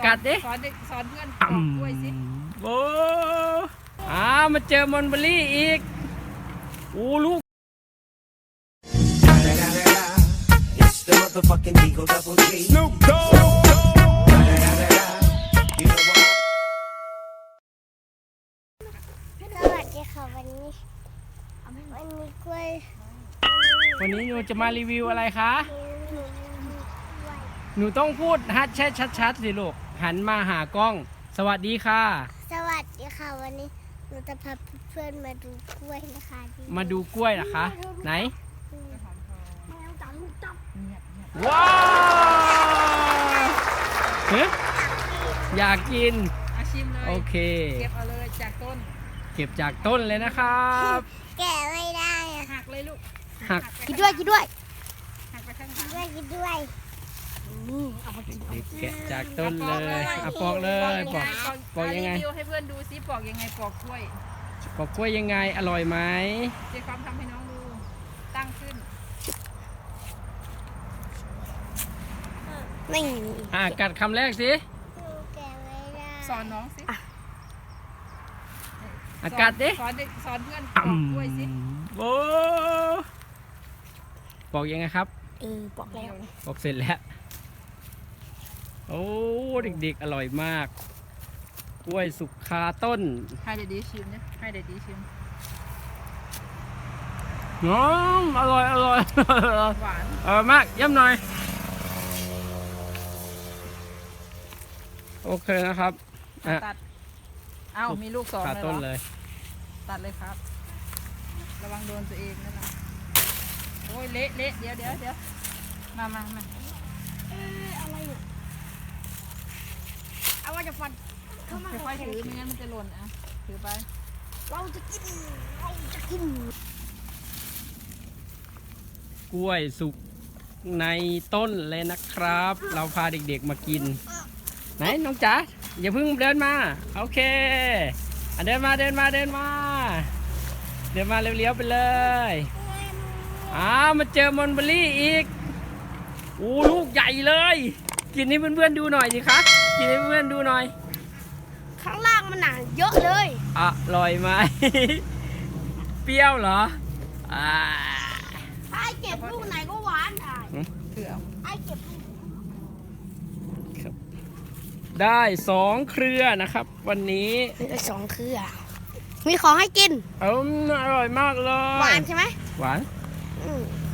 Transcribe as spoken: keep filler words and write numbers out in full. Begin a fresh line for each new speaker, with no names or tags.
กัดดิ
สอนสอนเพื่อนปอกกล้วยสิ
โอ้อ้ามาเจอมอนเบอรี่อีกโอ้ลูก
The motherfucking Eagle Double G. Snoop Dogg.
สวัสดีค่ะวันนี้วันนี้กล้วย
วันนี้หนูจะมารีวิวอะไรคะ
หนูหนูกล้วย
หนูต้องพูดฮัดแช่ชัดๆสิลูกหันมาหากล้องสวัสดีค่ะ
สวัสดีค่ะวันนี้หนูจะพาเพื่อนๆมาดูกล้วยนะคะ
มาดูกล้วยนะคะ ไหน
แมวจับลูกจับ
ว้าวเฮ้ยอยากกิน
อาชิมเลย
โอเค
เก็บเอาเลยจากต้น
เก็บจากต้นเลยนะครับ
แกะไม่ได้อะ
หักเลยลูก
หัก
กินด้วยกินด้วย
หักไปข้างห
กิ
ลั
น
ง
ด้วยกินด้วยนี่เอามากิน
เด็กๆแกะจากต้นเลยอ่ะปอกเลยปอกปอกยังไง
รีวิวให้เพื่อนดูซิปอกยังไงปอกกล้วย
ปอกกล้วยยังไงอร่อยไหม
เจ๊ความทำให้น้องดูตั้งขึ้น
นี่
อ่ะกัดคำแรกสิ
หนูแกะไม่ได้
สอนน้องสิ
อ่ะกัดดิ
สอนเด็กสอนเพื่อนปอกกล้วยสิ
โอ้ปอกยังไงครับ
เออบอกแล้ว
ปอกเสร็จแล้ว โอ้เด็กๆอร่อยมาก กล้วยสุกคาต้น
ให้เด็ดดีชิมนะให้เด็ดดีชิม
น้องอร่อยอร่อย
หวาน
เออมากย่ำหน่อย โอเคนะครับอ่ะ
ตัดเอ้ามีลูกสอง
คา
เลย
ต้น
เหร
เล
อย ตัดเลยครับ ระวังโดนตัวเองนั่นนะโอ้ยเละเละเดี๋ยวเดี๋ยวเดี๋ยวมามามา
เอออะไรเนี่ยเอาว่าจะฟันเข้ามา
ค่อยๆถือไม่งั้นมันจะหล่นอ่ะถือไป
เราจะกินเราจะกิน
กล้วยสุกในต้นเลยนะครับ เราพาเด็กๆมากิน ไหนน้องจ๋าอย่าเพิ่งเดินมาโอเคอ่ะเดินมาเดินมาเดินมาเดินมาเร็วๆไปเลยอ้ามาเจอมอนเบอรี่อีกโอ้ลูกใหญ่เลย กินให้เพื่อนๆดูหน่อยสิคะกินให้เพื่อนๆดูหน่อย
ข้างล่างมันหนาเยอะเลย
อร่อยไหม เปรี้ยวเหรออ่า
ไอ้เก็บลูกไหนก็หวานไอ้
ถือเอา
ไอ้เก็บลูก
ได้สองเครือนะครับ วันนี้
ได้สองเครือมีของให้กิน
เอมอร่อยมากเลย
หวานใช่ไหม
หวาน
อืม